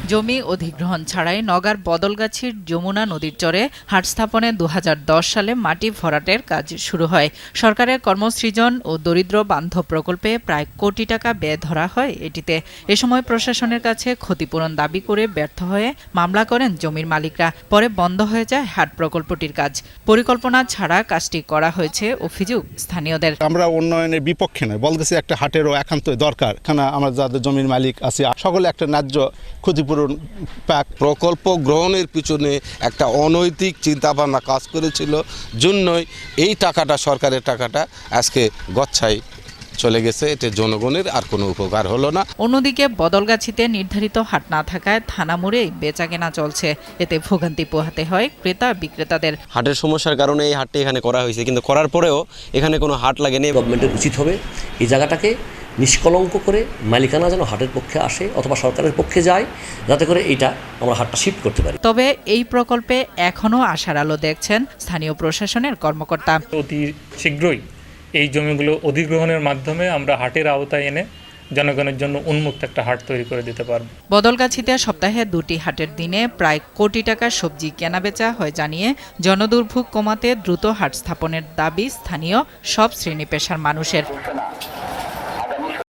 জমি অধিগ্রহণ ছাড়াই নওগাঁর বদলগাছির যমুনা নদীর চরে হাট স্থাপনে ২০১০ সালে মাটি ভরাটের কাজ শুরু হয়। সরকারের কর্মসৃজন ও দরিদ্র বান্ধব প্রকল্পে প্রায় কোটি টাকা ব্যয় ধরা হয় এটিতে। এ সময় প্রশাসনের কাছে ক্ষতিপূরণ দাবি করে ব্যর্থ হয়ে মামলা করেন জমির মালিকরা। পরে বন্ধ হয়ে যায় হাট প্রকল্পটির কাজ। পরিকল্পনা ছাড়া কাজটি করা হয়েছে অভিযোগ স্থানীয়দের। আমরা উন্নয়নের বিপক্ষে নয়, বলতেছি একটা হাটেরও একান্ত দরকার। এখানে আমরা যাদের জমির মালিক আছে সকলে একটা ন্যায্য ক্ষতিপূরণ পাক। প্রকল্প গ্রহণের পিছনে একটা অনৈতিক চিন্তাভাবনা কাজ করেছিল, জন্যই এই টাকাটা, সরকারের টাকাটা আজকে গচ্ছায় চলে গেছে। এতে জনগণের আর কোনো উপকার হলো না। অন্যদিকে বদলগাছিতে নির্ধারিত হাট না থাকায় থানা মোড়েই বেচাকেনা চলছে। এতে ভোগান্তি পোহাতে হয় ক্রেতা বিক্রেতাদের। হাটের সমস্যার কারণে এই হাটটি এখানে করা হয়েছে, কিন্তু করার পরেও এখানে কোনো হাট লাগেনি। গভর্নমেন্টের উচিত হবে এই জায়গাটাকে নিষ্কলঙ্ক করে মালিকানা যেন হাটের পক্ষে আসে অথবা সরকারের পক্ষে যায়, যাতে করে এইটা আমরা হাটটা শিফট করতে পারি। তবে এই প্রকল্পে এখনও আশার আলো দেখছেন স্থানীয় প্রশাসনের কর্মকর্তা। অতি শীঘ্রই এই জমিগুলো অধিগ্রহণের মাধ্যমে আমরা হাটের আওতায় এনে জনগণের জন্য উন্মুক্ত একটা হাট তৈরি করে দিতে পারব। বদলগাছিতে সপ্তাহে 2টি হাটের দিনে প্রায় কোটি টাকার সবজি কেনাবেচা হয় জানিয়ে জনদুর্ভোগ কমাতে দ্রুত হাট স্থাপনের দাবি স্থানীয় সব শ্রেণী পেশার মানুষের।